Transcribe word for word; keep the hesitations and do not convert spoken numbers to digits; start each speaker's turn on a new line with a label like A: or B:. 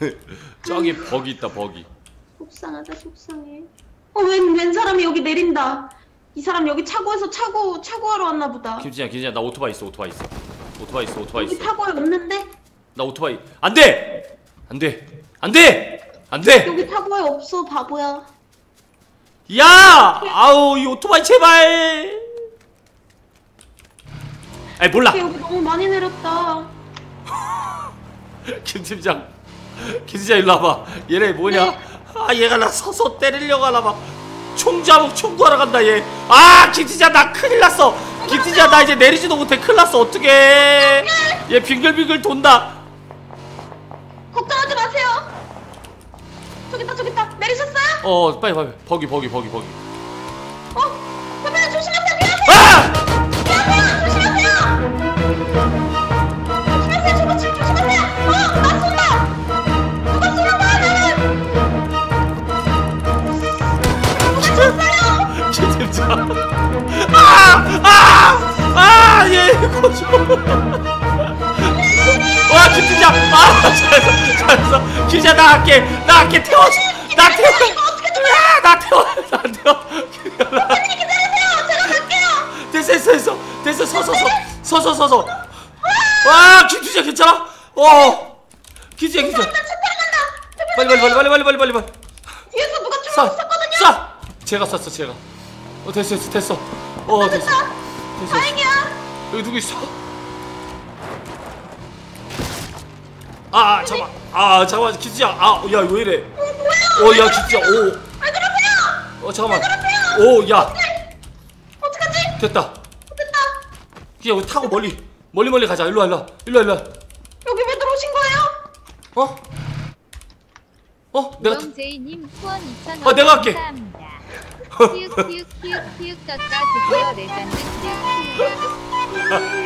A: 저기 버기 있다 버기.
B: 속상하다 속상해. 어 웬 웬 사람이 여기 내린다. 이 사람 여기 차고에서 차고 차고하러 왔나 보다.
A: 김진아 김진아 나 오토바이 있어 오토바이 있어. 오토바이 있어 오토바이
B: 여기
A: 있어.
B: 차고에 없는데?
A: 나 오토바이 안돼 안돼 안돼 안돼.
B: 여기 차고에 없어 바보야.
A: 야 아우 이 오토바이 제발. 아이 몰라.
B: 여기 너무 많이 내렸다.
A: 김 팀장 김 팀장 일로 와봐. 얘네 뭐냐?
B: 네.
A: 아 얘가 나 서서 때리려고 하나봐. 총자목 총구하러 간다 얘. 아 김 팀장 나 큰일 났어. 김 팀장 나 이제 내리지도 못해. 큰일 났어. 어떡해. 얘 빙글빙글 돈다.
B: 걱정하지 마세요. 저기 있다 저기 있다. 내리셨어요?
A: 어 빨리 빨리 버기 버기 버기 버기.
B: 어? 선배님 조심하세요. 미안해요.
A: 아!
B: 미안해요. 조심하세요. 조심하세요. 저거 지금 조심하세요. 어? 나 쏜다. 누가 쏘는 거야 나는. 누가 쐈어요?
A: 김 팀장. 아! 아! 아! 얘 거죠. 와 김팀장! 아 잘했어 잘했어. 김팀장 나 할게 나 할게 태워줘. 나 태워. 야, 나 태워 나 태워.
B: 선배님 기다리세요. 제가 갈게요.
A: 됐어 됐어 됐어 됐어 서서 서 서서 서서. 와 김팀장 괜찮아? 어 김팀장 김팀장.
B: 차 타러 간다.
A: 빨리 빨리 빨리 빨리 빨리 빨리 빨리 빨리.
B: 뒤에서 누가
A: 쏴
B: 총을 쐈거든요.
A: 쏴. 제가 쐈어 제가. 어 됐어 됐어 됐어. 어 됐어 됐어.
B: 다행이야.
A: 여기 누구 있어? 아, 아 잠깐. 아 잠깐만 김치야. 아, 야 왜 이래? 어, 야 김치야. 오.
B: 왜 그러세요?
A: 어 잠깐만.
B: 그러세요?
A: 오, 야
B: 어떡하지?
A: 됐다.
B: 됐다.
A: 그냥 우리 타고 멀리 멀리 멀리 가자. 일로 와 일로 와 일로 와 일로 와.
B: 여기 왜 들어오신 거예요?
A: 어? 어? 내가 타...
C: 제이님 후원 이천 원
A: 아, 내가 할게.
C: 감사합니다. 키읔 키읔 키읔 키읔 떴다 드디어 레전드 키읔 키읔